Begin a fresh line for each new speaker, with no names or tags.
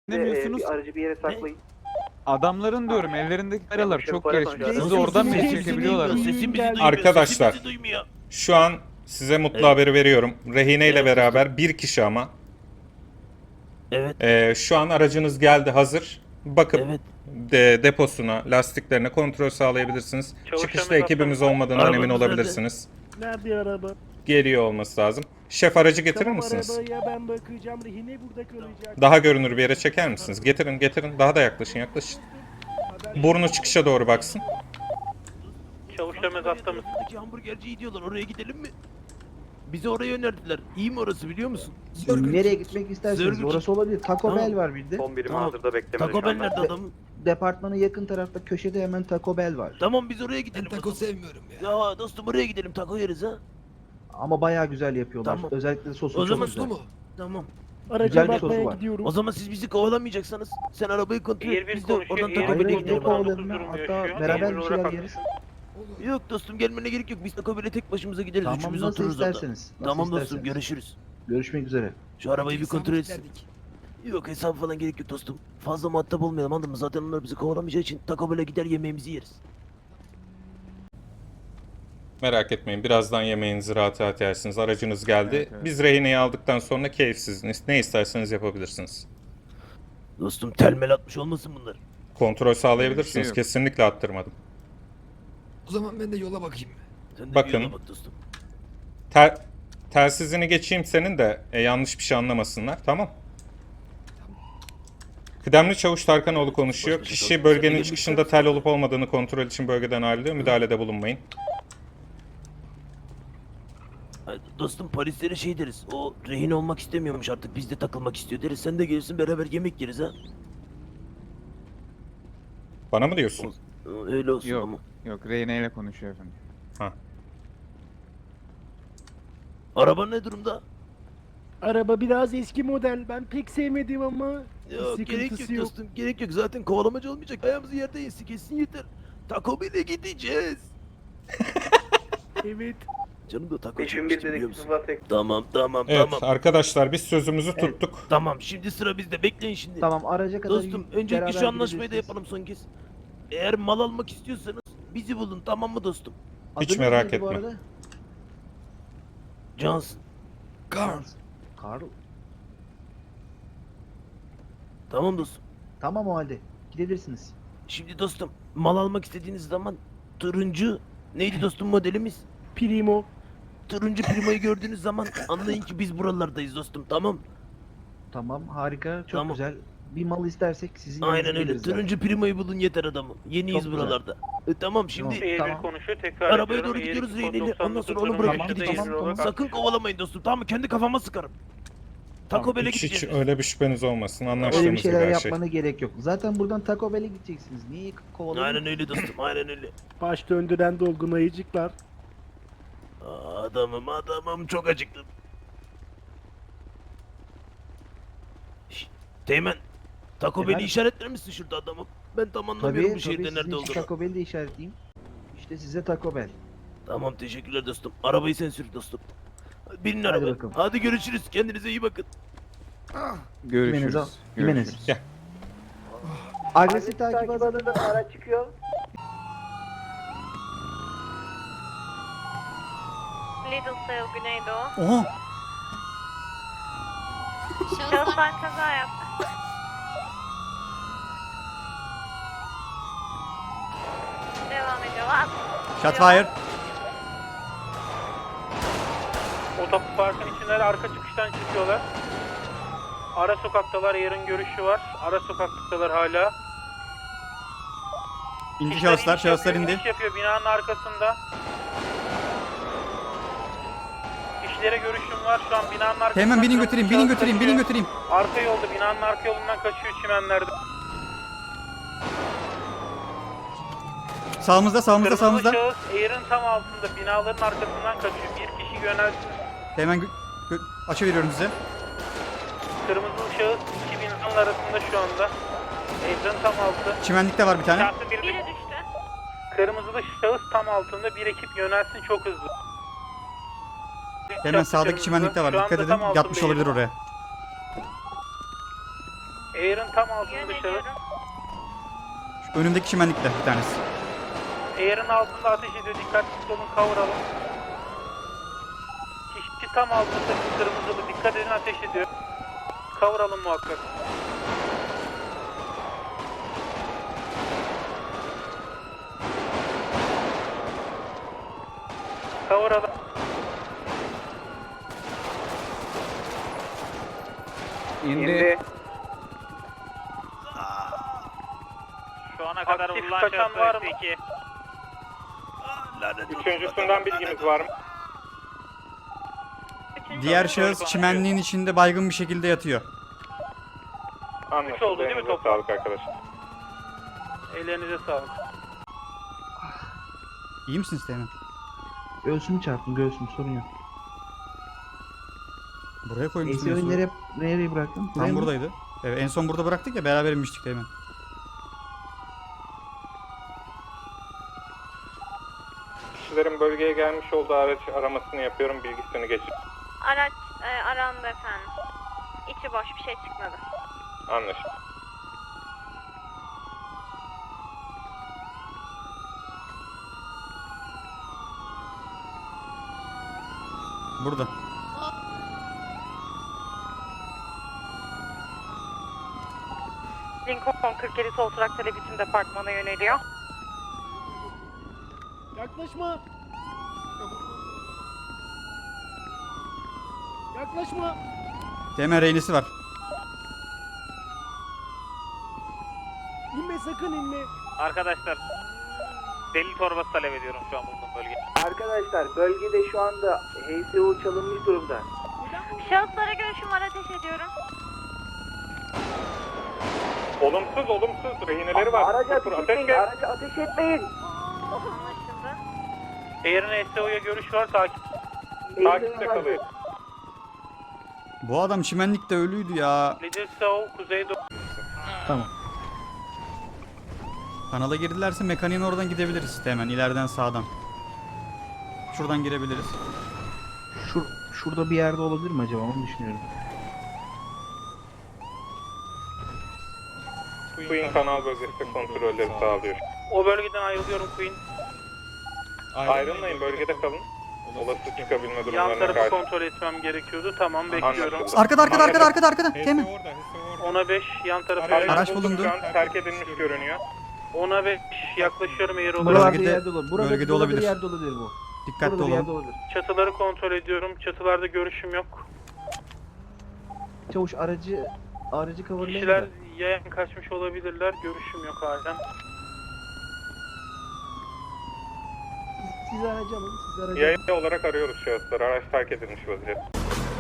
Demiyorsunuz.
Aracı bir yere saklayın.
Adamların diyorum ellerindeki kameralar çok
para
gelişmiş.
konuşuyoruz.
Sizi oradan bile çekebiliyorlar.
Sesimizi duymuyor.
Arkadaşlar.
Sesimizi duymuyor.
Şu an size mutlu
Evet.
haberi veriyorum. Rehine ile
Evet,
beraber bir kişi ama.
Evet.
Şu an aracınız geldi, hazır. Bakıp
Evet.
deposuna, lastiklerine kontrol sağlayabilirsiniz. Çıkışta ekibimiz olmadığından
Arabamız
emin
nerede?
olabilirsiniz.
Nerede araba?
Geliyor olması lazım. Şef, aracı getirir
Tamam,
misiniz?
arabaya ben bakacağım. Rehine burada kalacak.
Daha görünür bir yere çeker misiniz? Getirin. Daha da yaklaşın. Burnu çıkışa doğru baksın.
Çavuşlarımız hasta mı? Hamburgerciyi diyorlar. Oraya gidelim mi? Bizi oraya önerdiler. İyi mi orası, biliyor musun?
Nereye gitmek isterseniz
Zörgüç.
orası olabilir. Taco
Tamam.
Bell var bir de.
Son birimi
Tamam.
hazırda beklemede
Taco
şu
Bell
anda.
nerede adamım?
Departmana yakın tarafta köşede hemen Taco Bell var.
Tamam, biz oraya gidelim.
Ben taco
o zaman.
sevmiyorum ya.
Ya dostum, oraya gidelim, taco yeriz ha.
Ama bayağı güzel yapıyorlar.
Tamam.
Özellikle sosu
O
çok
zaman
güzel.
Mu?
Tamam.
Araca
Güzel bir
bakmaya
sosu var.
gidiyorum.
O zaman siz bizi kovalamayacaksanız sen arabayı kontrol et. Biz de oradan
konuşuyor,
taco
Hayır,
Bell'e
hayır,
gidelim.
yok oğlum ya. Hatta beraber bir şeyler yeriz.
Yok dostum, gelmene gerek yok. Biz taco Bell'e tek başımıza gideriz.
Tamam,
Üçümüz
nasıl
otururuz orada.
isterseniz. Nasıl
Tamam dostum,
isterseniz.
görüşürüz.
Görüşmek üzere.
Şu arabayı bir
Hesabı
kontrol etsin.
kilitlerdik.
Yok, hesap falan gerek yok dostum. Fazla muhatap olmayalım, anladın mı? Zaten onlar bizi kovalamayacağı için taco Bell'e gider, yemeğimizi yeriz.
Merak etmeyin, birazdan yemeğinizi rahat rahat yersiniz. Aracınız geldi.
Evet.
Biz rehineyi aldıktan sonra keyifsiz. Ne isterseniz yapabilirsiniz.
Dostum, telmel atmış olmasın bunlar.
Kontrol sağlayabilirsiniz.
Öyle bir şey yok.
Kesinlikle attırmadım.
O zaman ben de yola bakayım.
Sen de
Bakın.
bir yola bak dostum.
Telsizini geçeyim senin de yanlış bir şey anlamasınlar. Tamam. Kıdemli Çavuş Tarkanoğlu konuşuyor. Kişi bölgenin çıkışında tel olup olmadığını kontrol için bölgeden ayrılıyor. Müdahalede bulunmayın.
Ay, dostum, polislere şey deriz. O rehin olmak istemiyormuş artık, bizde takılmak istiyor deriz. Sen de gelirsin, beraber yemek yeriz ha.
Bana mı diyorsun?
Öyle olsun
Yok.
ama.
Yok, Reyne ile konuşuyor efendim.
Araba ne durumda?
Araba biraz eski model. Ben pek sevmedim ama
Yok, gerek yok
sıkıntısı yok.
dostum, gerek yok. Zaten kovalamacı olmayacak. Ayağımızı yerde yesin, kesin yeter. Taco Bell'e gideceğiz.
Evet.
Canım da taco
Beşin
çekmişti,
bir
biliyor
dedik
musun?
Sıvatek.
Tamam.
Evet arkadaşlar, biz sözümüzü
Evet.
tuttuk.
Tamam, şimdi sıra bizde, bekleyin şimdi.
Tamam, araca kadar
Dostum, öncelikle
beraber
şu anlaşmayı da
gidebilirsiniz.
yapalım son kez. Eğer mal almak istiyorsanız bizi bulun, tamam mı dostum?
Hiç
Adınız
merak
neydi bu
etme.
arada?
Johnson.
Carl.
Carl.
Tamam dostum.
Tamam o halde. Gidebilirsiniz.
Şimdi dostum, mal almak istediğiniz zaman turuncu, neydi dostum modelimiz?
Primo.
Turuncu Primo'yu gördüğünüz zaman anlayın ki biz buralardayız dostum, tamam?
Tamam, harika. Çok
Tamam.
güzel. Bir mal istersek sizin
Aynen
yanınıza
öyle.
geliriz zaten.
Turuncu Primo'yu bulun yeter adamım. Yeniyiz
Çok güzel.
buralarda. Tamam, şimdi
Tamam. Tamam.
konuşuyor tekrar
arabaya doğru gidiyoruz Reyneli. Ondan sonra onu bırakıp
Tamam,
gideceğiz.
tamam.
Sakın kovalamayın dostum, tamam mı? Kendi kafama sıkarım. Taco Bell'e
Hiç
gideceğiz.
öyle bir şüpheniz olmasın.
Öyle bir
Anlaştığımız gibi
şeyler
her şey.
yapmana gerek yok. Zaten buradan Taco Bell'e gideceksiniz. Niye kovaladın?
Aynen öyle dostum, aynen öyle.
Baş döndüren dolgun ayıcıklar.
Adamım çok acıktım. Şşt, Teğmen, Taco Bell'i
Efendim?
işaretler misin şurada adamım? Ben tam anlamıyorum
Tabii,
bu şehirde
tabii.
nerede
Sizin için
olduğunu.
Taco Bell'i de işaretleyeyim. İşte size Taco Bell.
Tamam, teşekkürler dostum. Arabayı sen sür dostum. Binin
Hadi
arabaya.
bakalım.
Hadi görüşürüz. Kendinize iyi bakın.
Görüşürüz.
Jimenez.
Gel.
Agresif takip adına
Araç çıkıyor.
Littlesale Güneydoğu.
Oha.
Şahıslar kaza yaptı. Devam ediyorlar.
Shotfire.
Otoparkın içindeler, arka çıkıştan çıkıyorlar. Ara sokaktalar, yarın görüşü var. Ara sokaktalar hala.
İndi
şahıslar
indi.
İş yapıyor binanın arkasında. İşlere görüşüm var şu an binanın arkasında.
Hemen binin götüreyim, binin
Şahıs
götüreyim, binin
kaçıyor.
götüreyim.
Arka yolda, binanın arka yolundan kaçıyor çimenlerde.
Sağımızda, sağımızda,
Kırmızı
sağımızda.
şahıs Air'ın tam altında, binaların arkasından kaçıyor. Bir kişi yönelsin.
Hemen açı veriyorum size.
Kırmızı şahıs iki binanın arasında şu anda. Air'ın tam altı.
Çimenlikte var bir tane.
Şahsı bir
Biri düştü.
kırmızılı şahıs tam altında, bir ekip yönelsin çok hızlı.
Hemen sağdaki çimenlikte var. Dikkat edin. Yatmış olabilir oraya.
Air'ın tam altında şahıs.
Yöneliyorum.
Şu önümdeki çimenlikte bir tanesi.
Air'ın altında ateş ediyor. Dikkatli olun, kavuralım. Kişi tam altında kırmızılı. Dikkat edin, ateş ediyor. Kavuralım muhakkak. Kavuralım.
İndi.
Şu ana kadar vurulan kaçan var mı?
Üçüncüsünden bilgimiz var mı?
Diğer şahıs çimenliğin içinde baygın bir şekilde yatıyor.
Üç oldu değil mi
Elinize
toplam?
sağlık arkadaşlar.
Ellerinize sağlık.
İyi misiniz Teğmen?
Göğsümü çarptım, göğsüm, sorun yok.
Buraya koymuşsun.
ACO'yu nereye bıraktın? Buraya
Tam
mı?
buradaydı. Evet, en son burada bıraktık ya, beraber inmiştik Teğmen.
Kişilerin bölgeye gelmiş olduğu araç aramasını yapıyorum. Bilgisini geçin.
Araç arandı efendim. İçi boş, bir şey çıkmadı.
Anlaşıldı.
Burada.
Lincoln 47 sol trak televizyon departmana yöneliyor.
Yaklaşma. Yaklaşma.
Teğmen rehinesi var.
İnme, sakın inme.
Arkadaşlar, delil torbası talep ediyorum şu an bulunduğum bölgeye.
Arkadaşlar bölgede şu anda HSO çalınmış durumda.
Şahıslara görüşüm var, ateş ediyorum.
Olumsuz. Rehineleri var.
Araca ateş
Ateş
etmeyin,
gel.
araca ateş etmeyin.
Anlaşıldı.
Air'in SEO'ya görüş var, takip.
Takipte kalıyor.
Bu adam çimenlikte ölüydü ya.
Little Soul, kuzeydoğu.
Kanala girdilerse mekaniğin oradan gidebiliriz Teğmen. İleriden sağdan. Şuradan girebiliriz.
Şurada bir yerde olabilir mi acaba, onu düşünüyorum.
Queen kanal bölgesinde kontrolleri sağlıyor.
O bölgeden ayrılıyorum Queen.
Ayrılmayın, bölgede kalın. Olası çıkabilme
Yan
durumlarına
tarafı
karşı.
kontrol etmem gerekiyordu. Tamam, bekliyorum.
Anlaşıldı.
Arkada Teğmen.
Ona 5, yan tarafı.
Araç bulundu.
Şu an terk edilmiş görünüyor.
Ona 5, yaklaşıyorum Air olarak.
Buralarda
Bölgede-
bir yerde olabilir. Burada
bölgede
burada
olabilir.
bir yerde olabilir bu.
Dikkatli
Burada bir yerde
olun.
olabilir.
Çatıları kontrol ediyorum. Çatılarda görüşüm yok.
Çavuş aracı coverlayın
Kişiler
da.
yayan kaçmış olabilirler. Görüşüm yok halen.
Siz aracı alın, siz aracı alın.
Yayın olarak arıyoruz şahısları. Araç terk edilmiş vaziyette.